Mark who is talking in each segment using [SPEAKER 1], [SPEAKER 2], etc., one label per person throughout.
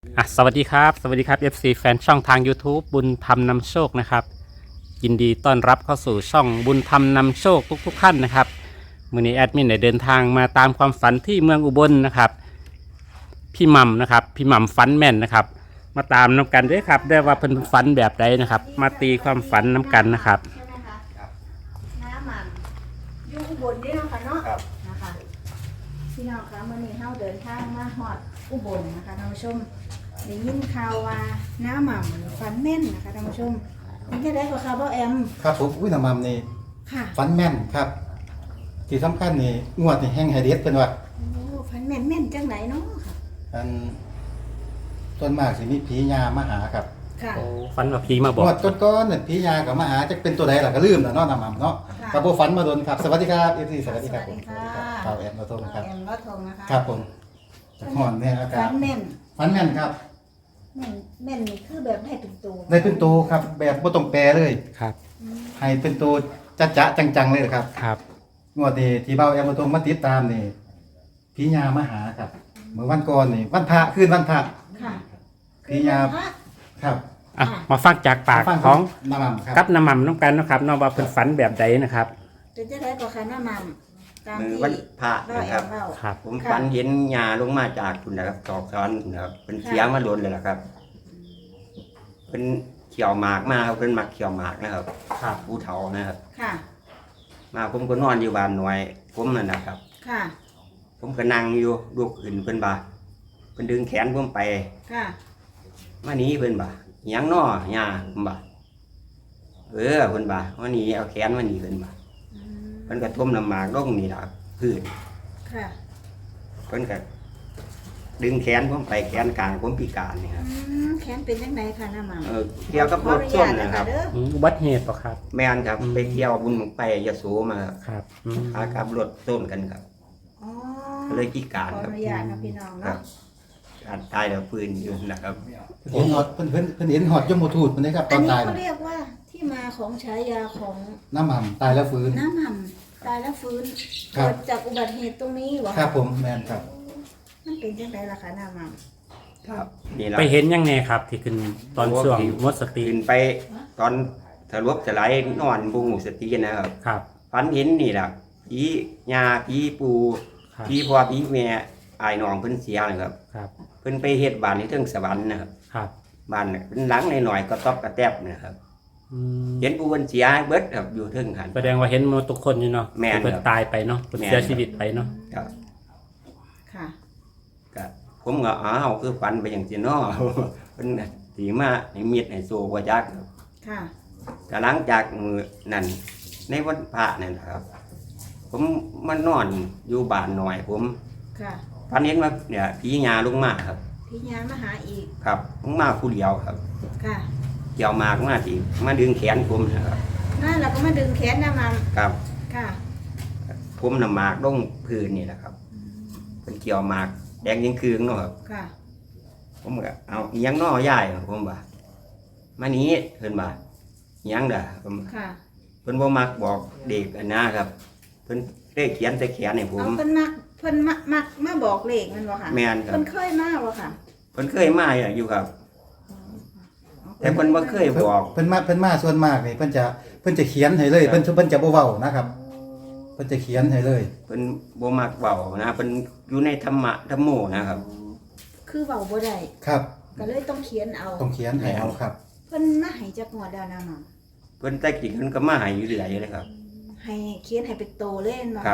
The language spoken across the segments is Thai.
[SPEAKER 1] สวัสดีครับFC แฟนช่องทาง YouTube บุญธรรมนำโชคนะครับยินดีต้อนรับเข้าสู่ช่องบุญธรรมนำโชคทุกท่านนะครับมื้อนี้แอดมินได้เดินทางมาตามความฝันที่เมืองอุบลนะครับพี่หม่ำนะครับพี่หม่ำฝันแม่นนะครับมาตามน้ำกันด้วยครับได้ว่าเพิ่นฝันแบบใดนะครับมาตีความฝันน้ำกันนะครับ
[SPEAKER 2] ใช่ไหมคะน้ำมันอยู่อุบลนี่เนาะค่ะเนาะนะคะพี่น้องคะเมื่อนี้เฮาเดินทางมาฮอดอุบลนะคะท่านผู้ชมได้ยินข่าวว่าน้ำมันฝันแม่นนะคะท่านผู้ชมนี่จะได้กว่าข่าวบ่แอม
[SPEAKER 3] ครับผมน้ำมันนี่
[SPEAKER 2] ค่ะ
[SPEAKER 3] ฟันแม่นครับที่สำคัญนี่งวดนี่แห้งไฮเดสเป็นว่า
[SPEAKER 2] โอ้ฝันแม่นแม่นจังไหนเนาะค่ะ
[SPEAKER 3] อันต้นมากสิมีผียามาหาครับ
[SPEAKER 2] ค่ะ
[SPEAKER 1] ฝันว่าผีมาบอก
[SPEAKER 3] งวดก้อนๆเนี่ยผียากับมาหาจะเป็นตัวใดล่ะก็ลืมแล้วเนาะน้ำมันเนาะกับโบฝันมาโดนครับสวัสดีครับเอฟซีสวัสดีครับผมข่าวแอมมาตรงครับ
[SPEAKER 2] แอมก็ทงนะคะ
[SPEAKER 3] ครับผมจากหอนเนี่ยครับ
[SPEAKER 2] ฝันแม่น
[SPEAKER 3] ฟันแม่นครับ
[SPEAKER 2] แม่นแม่นนี่คือแบบได้เป็นตัว
[SPEAKER 3] ได้เป็นตัวครับแบบบ่ต้องแปลเลย
[SPEAKER 1] ครับ
[SPEAKER 3] ให้เป็นตัวจ๊ะจังๆเลยครับ
[SPEAKER 1] ครับ
[SPEAKER 3] งวดนี้ที่เบาแอมมาตรงมาติดตามนี่ผียามาหาครับเมื่อวันก่อนนี่วันพระคืนวันพระ
[SPEAKER 2] ค่ะ
[SPEAKER 3] ผียาครับ
[SPEAKER 1] มาฟังจากปากของ
[SPEAKER 3] น้ำมันครับ
[SPEAKER 1] กับน้ำมันน้ำกันนะครับน้องว่าเพิ่นฝันแบบใดนะครับ
[SPEAKER 2] เป็นจะได้กว่าค่ะน้ำมันตามที่
[SPEAKER 4] วันพระนะครับ
[SPEAKER 1] ครับ
[SPEAKER 4] ผมฝันเห็นยาลงมาจากคุณนะครับตอกซ้อนนะครับเป็นเสียมาล้นเลยนะครับเป็นเขียวหมากมาครับเป็นหมักเขียวหมากนะครับ
[SPEAKER 1] ครับ
[SPEAKER 4] ผู้เฒ่านะครับ
[SPEAKER 2] ค่ะ
[SPEAKER 4] มาผมก็นอนอยู่บ้านหน่วยผมนั่นนะครับ
[SPEAKER 2] ค่ะ
[SPEAKER 4] ผมก็นั่งอยู่ลูกขึ้นเพิ่นบ่าเพิ่นดึงแขนผมไป
[SPEAKER 2] ค่ะ
[SPEAKER 4] มานี้เพิ่นบ่าหยังน้อยาผมบ่าเพิ่นบ่ามานี้เอาแขนมานี้เพิ่นบ่าเพิ่นก็ทุ่มน้ำหมากลงนี่ล่ะพื้น
[SPEAKER 2] ค่ะ
[SPEAKER 4] เพิ่นก็ดึงแขนผมไปแขนกลางผมพิการนี่ครับ
[SPEAKER 2] แขนเป็นยังไงคะน้าหม่
[SPEAKER 4] ำเกี่ยวกับรถส้นนะครับ
[SPEAKER 1] อุบัติเหตุป่ะครับ
[SPEAKER 4] แม่นครับไปเที่ยวบุญไปยะโสมา
[SPEAKER 1] ครับ
[SPEAKER 4] พากับรถส้นกันครับเลยพิการ
[SPEAKER 2] ครับขออนุญาตครับพี่น้องเนาะ
[SPEAKER 4] การตายแล้วปืนอยู่นะครับ
[SPEAKER 3] เห็นหอดเพิ่นเห็นหอดยมทูตมันนี่ครับตอนตาย
[SPEAKER 2] เขาเรียกว่าที่มาของฉายาของ
[SPEAKER 3] น้ำมันตายแล้วฟื้น
[SPEAKER 2] น้ำมันตายแล้วฟื้นเกิดจากอุบัติเหตุตรงนี้หรอ
[SPEAKER 3] ครับผมแม่นครับ
[SPEAKER 2] มันเป็นยังไงล่ะคะน้ำมัน
[SPEAKER 4] ครับ
[SPEAKER 1] ไปเห็นยังไงครับที่ขึ้นตอนช่วงหมดสติ
[SPEAKER 4] ขึ้นไปตอนสลบสลายนอนบุ้งสตินะครับ
[SPEAKER 1] ครับ
[SPEAKER 4] ฝันเห็นนี่แหละผียาผีปูผีพ่อผีแม่อายน้องเพิ่นเสียนะครับ
[SPEAKER 1] ครับ
[SPEAKER 4] เพิ่นไปเฮ็ดบ้านที่เทิงสวรรค์นะครับ
[SPEAKER 1] ครับ
[SPEAKER 4] บ้านเป็นหลังหน่อยๆก็ตอบกระแทบนะครับเห็นผู้เพิ่นเสียเบิดครับอยู่เทิงหัน
[SPEAKER 1] แสดงว่าเห็นหมดทุกคนอยู่เนาะ
[SPEAKER 4] แม่น
[SPEAKER 1] เพิ่นตายไปเนาะเพิ่นเสียชีวิตไปเนาะ
[SPEAKER 4] ครับ
[SPEAKER 2] ค่ะ
[SPEAKER 4] ก็ผมก็คือฝันไปอย่างซี่เนาะเพิ่นสิมาให้มีดให้โซบ่จัก
[SPEAKER 2] ค่ะ
[SPEAKER 4] ก็หลังจากมื้อนั้นในวันพระนั่นครับ ผมมานอนอยู่บ้านหน่อยผม
[SPEAKER 2] ค่ะ
[SPEAKER 4] ฝันเห็นว่าเนี่ยผีญาลงมาครับ
[SPEAKER 2] ผีญามาหาอีก
[SPEAKER 4] ครับลงมาผู้เดียวครับ
[SPEAKER 2] ค่ะ
[SPEAKER 4] เกี่ยวมากมาสิมาดึงแขนผมนะครับ
[SPEAKER 2] นั่นเราก็มาดึงแขนน้ำมัน
[SPEAKER 4] ครับ
[SPEAKER 2] ค่ะ
[SPEAKER 4] ผมน้ำหมากลงพื้นนี่แหละครับเป็นเกี่ยวหมากแดงยังคืนเนาะครับ
[SPEAKER 2] ค่ะ
[SPEAKER 4] ผมก็เอายังน้อย่ายผมบ่ามานี้เพิ่นบ่ายังเด้อผม
[SPEAKER 2] ค่ะ
[SPEAKER 4] เพิ่นบ่มักบอกเด็กอันนะครับเพิ่นได้เขียนแต่แขนให้ผม
[SPEAKER 2] เพิ่นมักมาบอกเลขมันบ่ค่ะ
[SPEAKER 4] แม่นครับ
[SPEAKER 2] เพิ่นเคยมาบ่ค่ะ
[SPEAKER 4] เพิ่นเคยมาอยู่ครับแต่เพิ่นบ่เคยบอก
[SPEAKER 3] เพิ่นมาส่วนมากนี่เพิ่นจะเขียนให้เลยเพิ่นจะบ่เว้านะครับเพิ่นจะเขียนให้เลย
[SPEAKER 4] เพิ่นบ่มักเว้านะเพิ่นอยู่ในธรรมะธรรมโมนะครับ
[SPEAKER 2] คือเว้าบ่ได้
[SPEAKER 3] ครับ
[SPEAKER 2] ก็เลยต้องเขียนเอา
[SPEAKER 3] ต้องเขียนให้เอาครับ
[SPEAKER 2] เพิ่นมาให้จักงวดแล้วนะน้อง
[SPEAKER 4] เพิ่นแต่กี้เพิ่นก็มาให้อยู่เรื่อยเลยครับ
[SPEAKER 2] ให้เขียนให้เป็นโตเลยเนาะ
[SPEAKER 4] ครับ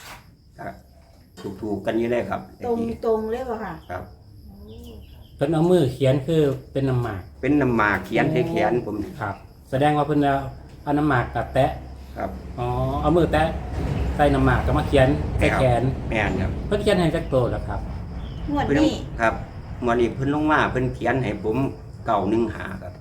[SPEAKER 4] ถูกกันอยู่เลยครับ
[SPEAKER 2] ตรงเลยบ่ค่ะ
[SPEAKER 4] ครับ
[SPEAKER 1] เพิ่นเอามือเขียนคือเป็นน้ำหมาก
[SPEAKER 4] เป็นน้ำหมากเขียนให้เขียนผม
[SPEAKER 1] ครับแสดงว่าเพิ่นเอาน้ำหมากกับแตะ
[SPEAKER 4] ครับ
[SPEAKER 1] เอามือแตะใส่น้ำหมากก็มาเขียนใส่แขน
[SPEAKER 4] แม่นครับ
[SPEAKER 1] เพิ่นเขียนให้จักโตแล้วครับ
[SPEAKER 2] งวดนี้
[SPEAKER 4] ครับงวดนี้เพิ่นลงมาเพิ่นเขียนให้ผม915ครับ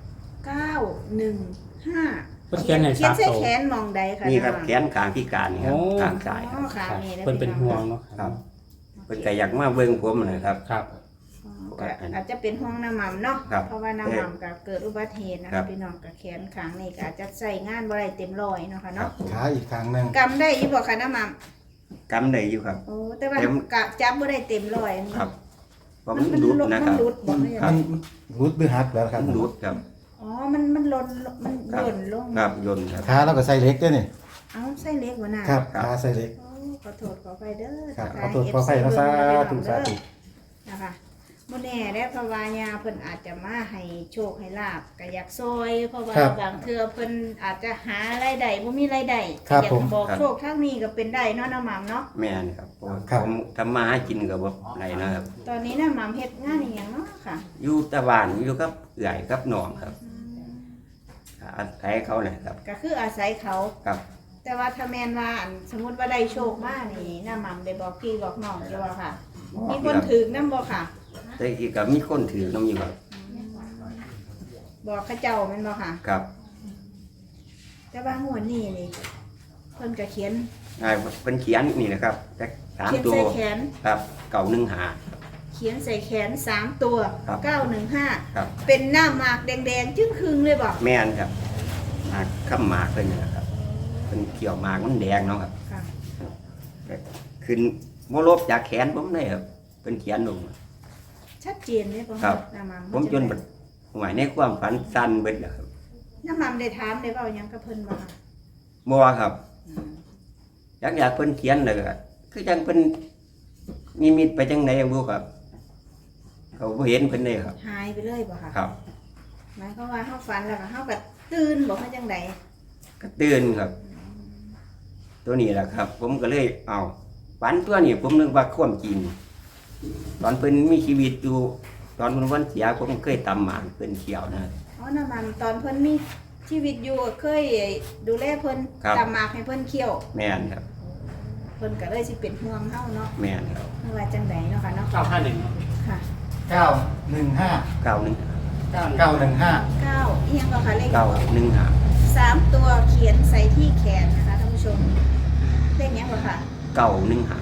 [SPEAKER 2] 915
[SPEAKER 1] เพิ่นเขียนให้3โต
[SPEAKER 2] ใส่แขนมองใดค่ะ
[SPEAKER 4] นี่ครับแขนข้างพิการนี่ครับข้างซ้าย
[SPEAKER 1] เพิ่นเป็นห่วงเนาะ
[SPEAKER 4] ครับเพิ่นก็อยากมาเบิ่งผมนะครับ
[SPEAKER 1] ครับ
[SPEAKER 2] อาจจะเป็นห่วงน้ำมันเนาะเพราะว่าน้ำมันก็เกิดอุบัติเหตุนะคะพี่น้องกับแขนข้างนี่ก็อาจจะใส่งานบ่ได้เต็มร้อยเนาะค่ะเนาะ
[SPEAKER 3] ขาอีกข้างนึง
[SPEAKER 2] กำได้อยู่บ่ค่ะน้ำมัน
[SPEAKER 4] กำได้อยู่ครับ
[SPEAKER 2] โอ้แต่ว่ากะจับบ่ได้เต็มร้อย
[SPEAKER 4] ครับเพราะมันรุดนะครับ
[SPEAKER 2] มันรุดบ่
[SPEAKER 3] มัน
[SPEAKER 2] เนี่ย
[SPEAKER 3] มันรุดหรือหักแล้วครับ
[SPEAKER 4] มันรุดครับ
[SPEAKER 2] อ๋อมันหล่นมัน
[SPEAKER 4] ครับ
[SPEAKER 2] หล่นลง
[SPEAKER 4] ครับยนต์ครับ
[SPEAKER 3] ขาเราก็ใส่เหล็กด้วยนี่
[SPEAKER 2] เอ้าไส้เล็กบ่น่ะ
[SPEAKER 3] ครับขาใส่เหล็ก
[SPEAKER 2] โอ้ขอโทษขอไปเด้อ
[SPEAKER 3] ครับ
[SPEAKER 2] ทั
[SPEAKER 3] ขอก
[SPEAKER 2] ทาย
[SPEAKER 3] โทษขออภัยนะ
[SPEAKER 2] FC
[SPEAKER 3] สา
[SPEAKER 2] เบิ่ง
[SPEAKER 3] ธุ
[SPEAKER 2] เด้อ
[SPEAKER 3] สาธุ
[SPEAKER 2] นะคะบ่แน่ได้อเพราะว่ายาเพิ่นอาจจะมาให้โชคให้ลาบก็อยากซอยเพราะว่าบางเทื่อเพิ่นอาจจะหารายได้บ่มีรายได้
[SPEAKER 3] ครับ
[SPEAKER 2] อยา
[SPEAKER 3] ผ
[SPEAKER 2] ก
[SPEAKER 3] ม
[SPEAKER 2] บอกโชคทางนี้ก็เป็นได้เนาะน้าหม่ำเนาะ
[SPEAKER 4] แม่นครับเพราะว่า
[SPEAKER 3] ครับ
[SPEAKER 4] ผมทำมาหากินกับบ่ไรนะครับ
[SPEAKER 2] ตอนนี้น้าหม่ำเฮ็ดงานอีหยังเนาะค่ะ
[SPEAKER 4] อยู่ตะวันอยู่กับเอื่อยกับหนองครับอาศัยเขาเลยครับ
[SPEAKER 2] ก็คืออาศัยเขา
[SPEAKER 4] ครับ
[SPEAKER 2] แต่ว่าถ้าแม่นว่าอันสมมุติว่าได้โชคมานี่น้าหม่ำได้บอกพี่บอกน้องอยู่ว่าค่ะ มีคนถือนำบ่ค่ะ
[SPEAKER 4] แต่อีกกับมีคนถือน้ำอยู่ครับ
[SPEAKER 2] บอกเขาเจ้าแม่นบ่ค่ะ
[SPEAKER 4] ครับ
[SPEAKER 2] แต่ว่างวดนี้นี่เพิ่นก็เขียน
[SPEAKER 4] เป็นเขียนนี่นะครับแต่สาม
[SPEAKER 2] เขียน
[SPEAKER 4] ตัว
[SPEAKER 2] ใส่แขน
[SPEAKER 4] ครับเก่าหนึ่งหา
[SPEAKER 2] เขียนใส่แขน3ตัว
[SPEAKER 4] ครับ
[SPEAKER 2] 915
[SPEAKER 4] ครับ
[SPEAKER 2] เป็นหน้าหมากแดงๆจึ้งครึงเลยบ่
[SPEAKER 4] แม่นครับหมากข้ามหมากเป็นนะครับเป็นเขียวหมากมันแดงเนาะครับ
[SPEAKER 2] ค่ะ
[SPEAKER 4] ขึ้นโมลบจากแขนผมเลยครับเป็นเขียนลง
[SPEAKER 2] ชัดเจนเลยบ่
[SPEAKER 4] ครับ
[SPEAKER 2] หน้าหม่ำ
[SPEAKER 4] ผมจนแบบหมายในความฝันสั้นเบิดแล้วครับ
[SPEAKER 2] หน้าหม่ำได้ถามได้เว้าหยังกับเพิ่นบ่ค่ะ
[SPEAKER 4] บัวครับอยากเพิ่นเขียนเลยก็คือจังเพิ่นมีมิตไปจังไหนบ่ครับเขาบ่เห็นเพิ่นเลยครับ
[SPEAKER 2] หายไปเลยบ่ค่ะ
[SPEAKER 4] ครับ
[SPEAKER 2] หมายความว่าเฮาฝันแล้วก็เฮาก็ตื่นบ่เฮาจังได๋
[SPEAKER 4] ก็ตื่นครับ ตัวนี้แหละครับ ผมก็เลยเอาฝันตัวนี้ผมนึกว่าความจริงตอนเพิ่นมีชีวิตอยู่ตอนเพิ่นวันเสียผมเคยตำหมากเพิ่นเขียวนะ
[SPEAKER 2] อ๋อหน้าหม่ำตอนเพิ่นมีชีวิตอยู่เคยดูแลเพิ่น
[SPEAKER 4] ครับ
[SPEAKER 2] ตามหมากให้เพิ่นเคี่ยว
[SPEAKER 4] แม่นครับ
[SPEAKER 2] เพิ่นก็เลยสิเป็นห่วงเฮาเนาะ
[SPEAKER 4] แม่นครับ
[SPEAKER 2] ว่าจังไดเนาะค่ะเนาะ
[SPEAKER 1] 951
[SPEAKER 2] ค่ะ
[SPEAKER 3] 915
[SPEAKER 4] เก้าหนึ่ง
[SPEAKER 3] 915
[SPEAKER 2] 9อีหยังก็ค่ะเลข
[SPEAKER 4] เก้าหนึ่งหา
[SPEAKER 2] 3ตัวเขียนใส่ที่แขนนะคะท่านผู้ชมเลขหยังบ่ค่ะ
[SPEAKER 4] เก้าหนึ่งหา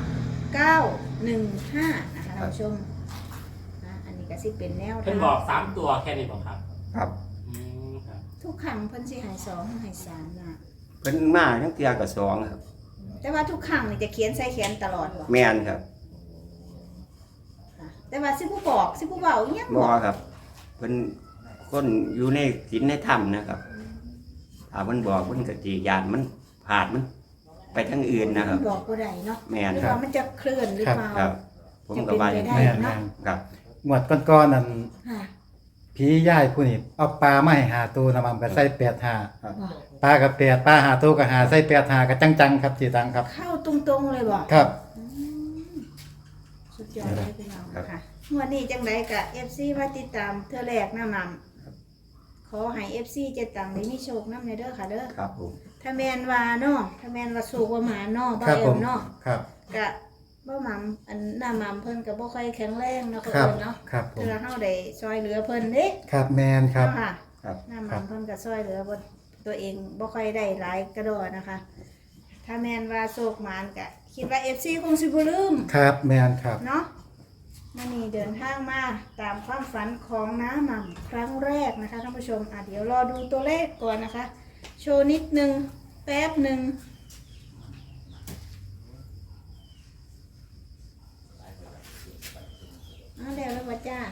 [SPEAKER 2] 915นะคะท่านผู้ชมอันนี้ก็สิเป็นแนว
[SPEAKER 1] เพิ่นบอก3ตัวแค่นี้บ่ครับ
[SPEAKER 4] ครับ
[SPEAKER 1] ครับ
[SPEAKER 2] ทุกครั้งเพิ่นสิให้2ให้3นะ
[SPEAKER 4] เพิ่นมาทั้งเตียกับสองครับ
[SPEAKER 2] แต่ว่าทุกครั้งนี่จะเขียนใส่แขนตลอดบ่
[SPEAKER 4] แม่นครับ
[SPEAKER 2] ค่ะแต่ว่าสิผู้บอกสิผู้เว้าอีหยัง
[SPEAKER 4] บ่ครับเพิ่นคนอยู่ในศีลในธรรมนะครับถ้าเพิ่นบอกเพิ่นก็สิญาณมันผ่านมันไปทางอื่นนะครับ
[SPEAKER 2] บอกบ่ได้เนาะ
[SPEAKER 4] แม่น
[SPEAKER 2] หรือ
[SPEAKER 4] ครั
[SPEAKER 2] ว่า
[SPEAKER 4] บ
[SPEAKER 2] มันจะเคลื่อนหรือเปล่า
[SPEAKER 4] ครับ ผมก็ว่าอย่าง
[SPEAKER 2] จะ
[SPEAKER 4] นี้
[SPEAKER 2] เป็นไปได้
[SPEAKER 3] แม่น
[SPEAKER 4] ครับ
[SPEAKER 3] ๆงวดก่อนๆนั่น
[SPEAKER 2] ค่ะ
[SPEAKER 3] ผีย่ายผู้นี่เอาปลามาให้หาตัวน้ำมันก็ใส่85
[SPEAKER 4] ครับ
[SPEAKER 2] บอก
[SPEAKER 3] ปลากับ8ปลาหาตัวก็หาใส่85ก็จังๆครับจีตังครับ
[SPEAKER 2] เข้าตรงๆเลยบอก
[SPEAKER 3] ครับ
[SPEAKER 2] สุดยอดเลยพี่น้องค่ะงวันนี้จังไดกับ FC มาติดตามเทื่อแรกนะมัมขอให้ FC เจ็ดตังได้มีโชคนำในเด้อค่ะเด้อ
[SPEAKER 4] ครับผม
[SPEAKER 2] ถ้าแม่นว่าเนาะถ้าแม่นว่าสูกว่าหมาเนาะบ่
[SPEAKER 3] ครับ
[SPEAKER 2] เอิ
[SPEAKER 3] ผ
[SPEAKER 2] ้
[SPEAKER 3] ม
[SPEAKER 2] นเนาะ
[SPEAKER 3] ครับ
[SPEAKER 2] ก็บ่หมัมอันหน้าหมัมเพิ่นก็บ่ค่อยแข็งแรงเนาะ
[SPEAKER 3] ครั
[SPEAKER 2] เพิ่
[SPEAKER 3] บ
[SPEAKER 2] นเนาะ
[SPEAKER 3] ครับผม
[SPEAKER 2] เพื่อเฮาได้ช่วยเหลือเพิ่นเด้
[SPEAKER 3] ครับแมนครับ
[SPEAKER 2] เนาะค่ะ
[SPEAKER 4] ครับ
[SPEAKER 2] หน้าหมัมเพิ่นก็ช่วยเหลือบ่ตัวเองบ่ค่อยได้หลายกระโดดนะคะ ถ้าแม่นว่าโศกหมานก็คิดว่า FC คงสิบ่ลืม
[SPEAKER 3] ครับแมนครับ
[SPEAKER 2] เนาะมื่อนี้เดินทางมาตามความฝันของน้าหม่ำครั้งแรกนะคะท่านผู้ชมเดี๋ยวรอดูตัวเลขก่อนนะคะ โชว์นิดนึงแป๊บหนึ่งแล้วว่าจ้า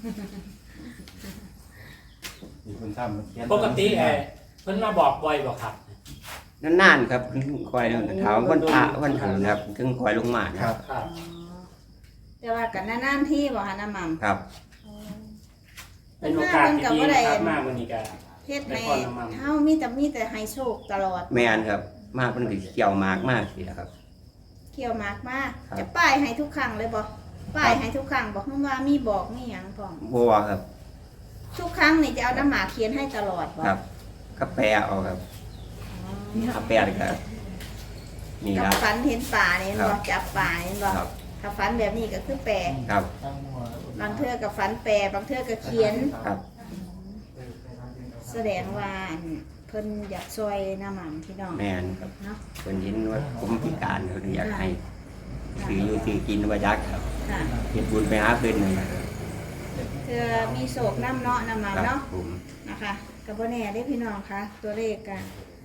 [SPEAKER 3] มีคุณทำเขียน
[SPEAKER 1] ปกติเพิ่นมาบอกบ่อยบ่ครับ
[SPEAKER 4] นานๆครับคอยถามวันพระวันหันครับถึงคอยลงมานะ
[SPEAKER 3] ค
[SPEAKER 4] ค
[SPEAKER 3] รั
[SPEAKER 4] รั
[SPEAKER 3] บบ
[SPEAKER 1] ครับ
[SPEAKER 2] แต่ว่ากันนานๆที่บอกค่ะน้าหม่ำ
[SPEAKER 4] ครับ
[SPEAKER 1] เป็นโอกาสที่ดีนะครับมาวันนี้ก็
[SPEAKER 2] เฮ็ดใน
[SPEAKER 1] ได้พรน้าหม่ำ
[SPEAKER 2] เฮามีแต่ให้โชคตลอด
[SPEAKER 4] แม่นครับ มากเพิ่นก็เกี่ยวหมากมากสิครับ
[SPEAKER 2] เกี่ยวมากมาก
[SPEAKER 4] ครับ
[SPEAKER 2] จะป้ายให้ทุกครั้งเลยบอกป้ายให้ทุกครั้งบอกว่ามีบอกมีหยังพร้อม
[SPEAKER 4] บัวครับ
[SPEAKER 2] ทุกครั้งนี่จะเอาน้ำหมากเขียนให้ตลอดบอก
[SPEAKER 4] ครับกาแฟเอาครับกาแฟเลยครับนี่
[SPEAKER 2] กับ
[SPEAKER 4] ครับ
[SPEAKER 2] ฟันเห็นป่าเนี่ย
[SPEAKER 4] ครับ
[SPEAKER 2] บอกจับป่าเนี่ยบอก
[SPEAKER 4] ครับ
[SPEAKER 2] ถ้าฟันแบบนี้ก็คือแปล
[SPEAKER 4] ครับ
[SPEAKER 2] บางเทื่อกับฟันแปลบางเทื่อก็เขียน
[SPEAKER 4] ครับ
[SPEAKER 2] แสดงว่าเพิ่นอยากช่วยน้ำมันพี่น้อง
[SPEAKER 4] แม่นครับ
[SPEAKER 2] เนาะ
[SPEAKER 4] เพิ่นเห็นว่าผมพิการเพิ่นอยากให้ซื้ออยู่ซื้อกินว่ายักษ์ครับ
[SPEAKER 2] ค่ะ
[SPEAKER 4] เฮ็ดบุญไปหาเพิ่นนั่นแหละครับ
[SPEAKER 2] เทื่อมีโศกน้ำเนาะน้ำมัน
[SPEAKER 4] ครับ
[SPEAKER 2] เนาะ
[SPEAKER 4] ผม
[SPEAKER 2] นะคะกับบ่แน่ได้พี่น้องคะตัวเลขกัน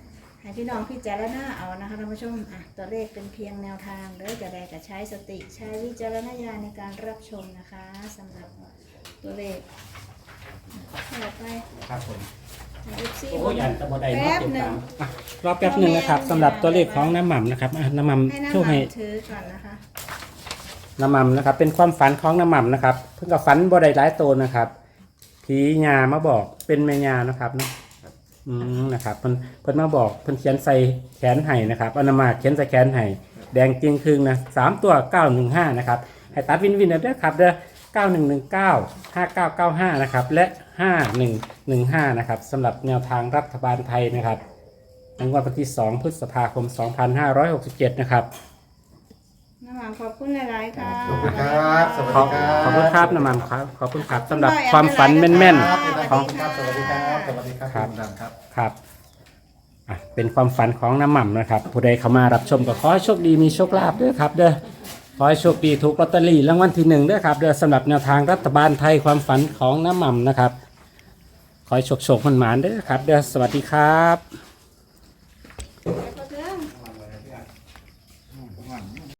[SPEAKER 2] ให้พี่น้องพิจารณาเอานะคะท่านผู้ชมตัวเลขเป็นเพียงแนวทางเด้อจะได้กับใช้สติใช้วิจารณญาณในการรับชมนะคะสำหรับตัวเลขต่อไป
[SPEAKER 3] ครับผม
[SPEAKER 2] FC
[SPEAKER 1] โอ้ยอันตะบอได้
[SPEAKER 2] แป๊
[SPEAKER 1] เนาะ
[SPEAKER 2] บ
[SPEAKER 1] ติด
[SPEAKER 2] หนึ่
[SPEAKER 1] ตาง มรอแป๊บหนึ่งนะครับสำหรับตัวเลขของน้ำหม่ำนะครับน้ำหม่ำ
[SPEAKER 2] ให้น้ำ
[SPEAKER 1] ช่วย
[SPEAKER 2] มั
[SPEAKER 1] ให้
[SPEAKER 2] นถือก่อนนะคะ
[SPEAKER 1] น้ำหม่ำนะครับเป็นความฝันของน้ำหม่ำนะครับเพิ่งกับฝันบ่ได้หลายตัวนะครับผีญามาบอกเป็นแม่ญานะครับเนาะนะครับเพิ่นมาบอกเพิ่นเขียนใส่แขนไห้นะครับอนามาเขียนใส่แขนไห้แดงจริงครึ่งนะ3ตัว915นะครับให้ตัดวินเด้อครับเด้อ9119 5995นะครับและ5115นะครับสำหรับแนวทางรัฐบาลไทยนะครับในงวดวันที่2พฤษภาคม2567นะครับ
[SPEAKER 2] น้ำหมันขอบคุณหลายๆค่ะ
[SPEAKER 3] ขอบคุณครับสวัส
[SPEAKER 1] ขอ
[SPEAKER 3] ดี
[SPEAKER 1] บ
[SPEAKER 3] ครับ
[SPEAKER 1] ขอบคุณครับน้ำมันครับขอบคุณครับสำหรับความฝันแม่น
[SPEAKER 3] ครับ
[SPEAKER 1] ๆ
[SPEAKER 3] ข
[SPEAKER 1] ข
[SPEAKER 3] อ
[SPEAKER 1] อบ ง
[SPEAKER 3] คุณครับสวัสดีครับสวัสดีครับ
[SPEAKER 1] ครับ
[SPEAKER 3] ณดำครับ
[SPEAKER 1] ครับเป็นความฝันของน้ำหม่ำนะครับผู้ใดเข้ามารับชมก็ขอให้โชคดีมีโชคลาภด้วยครับเด้อขอให้โชคดีถูกลอตเตอรี่รางวัลที่1ด้วยครับเด้อสำหรับแนวทางรัฐบาลไทยความฝันของน้ำหม่ำนะครับขอให้โชคมันหมานๆด้วยครับเด้อสวัสดีครับ